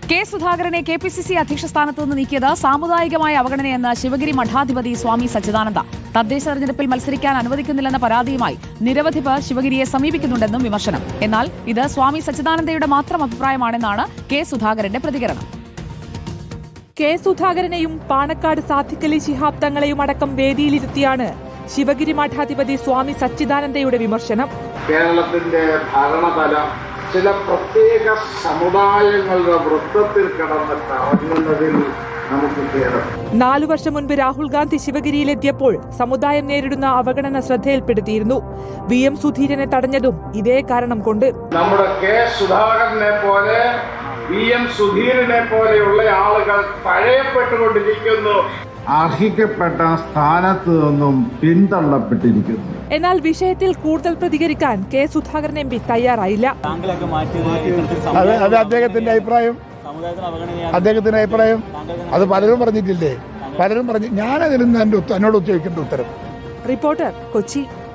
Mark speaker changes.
Speaker 1: K സുധാകരനെ KPCC അധ്യക്ഷ സ്ഥാനത്ത് നിന്ന് നീക്കിയത് സാമുദായികമായ അവഗണനയെന്ന് ശിവഗിരി മഠാധിപതി സ്വാമി സച്ചിദാനന്ദ. തദ്ദേശ തെരഞ്ഞെടുപ്പിൽ മത്സരിക്കാൻ അനുവദിക്കുന്നില്ലെന്ന പരാതിയുമായി നിരവധി പേർ ശിവഗിരിയെ സമീപിക്കുന്നുണ്ടെന്നും വിമർശനം. എന്നാൽ ഇത് സ്വാമി സച്ചിദാനന്ദയുടെ മാത്രം അഭിപ്രായമാണെന്നാണ് കെ സുധാകരന്റെ പ്രതികരണം.
Speaker 2: കെ സുധാകരനെയും പാണക്കാട് സാദിഖലി ശിഹാബ് തങ്ങളെയും അടക്കം വേദിയിലിരുത്തിയാണ് ശിവഗിരി മഠാധിപതി സ്വാമി സച്ചിദാനന്ദയുടെ വിമർശനം.
Speaker 3: കേരളത്തിന്റെ ഭരണതലം ചില പ്രത്യേക സമുദായങ്ങളുടെ വൃത്തത്തിൽ കിടന്ന് കറങ്ങുന്നതിൽ നമുക്ക് കേരളം
Speaker 2: 4 വർഷം മുൻപ് രാഹുൽ ഗാന്ധി ശിവഗിരിയിലെത്തിയപ്പോൾ സമുദായം നേരിടുന്ന അവഗണന ശ്രദ്ധയിൽപ്പെടുത്തിയിരുന്നു. VM സുധീരനെ തടഞ്ഞതും ഇതേ കാരണം കൊണ്ട്.
Speaker 3: നമ്മുടെ കെ സുധാകരനെ പോലെ VM സുധീരനെ പോലെയുള്ള ആളുകൾ തഴയപ്പെട്ടുകൊണ്ടിരിക്കുന്നു, അർഹിക്കപ്പെട്ട സ്ഥാനത്ത് നിന്നും പിന്തള്ളപ്പെട്ടിരിക്കുന്നു.
Speaker 2: എന്നാൽ വിഷയത്തിൽ കൂടുതൽ പ്രതികരിക്കാൻ കെ സുധാകരൻ MP തയ്യാറായില്ല.
Speaker 4: അത് അദ്ദേഹത്തിന്റെ അഭിപ്രായം. അത് പലരും പറഞ്ഞിട്ടില്ലേ? പലരും പറഞ്ഞു. ഞാനതിൽ നിന്ന് എന്നോട് ചോദിക്കേണ്ട ഉത്തരം.
Speaker 2: റിപ്പോർട്ടർ, കൊച്ചി.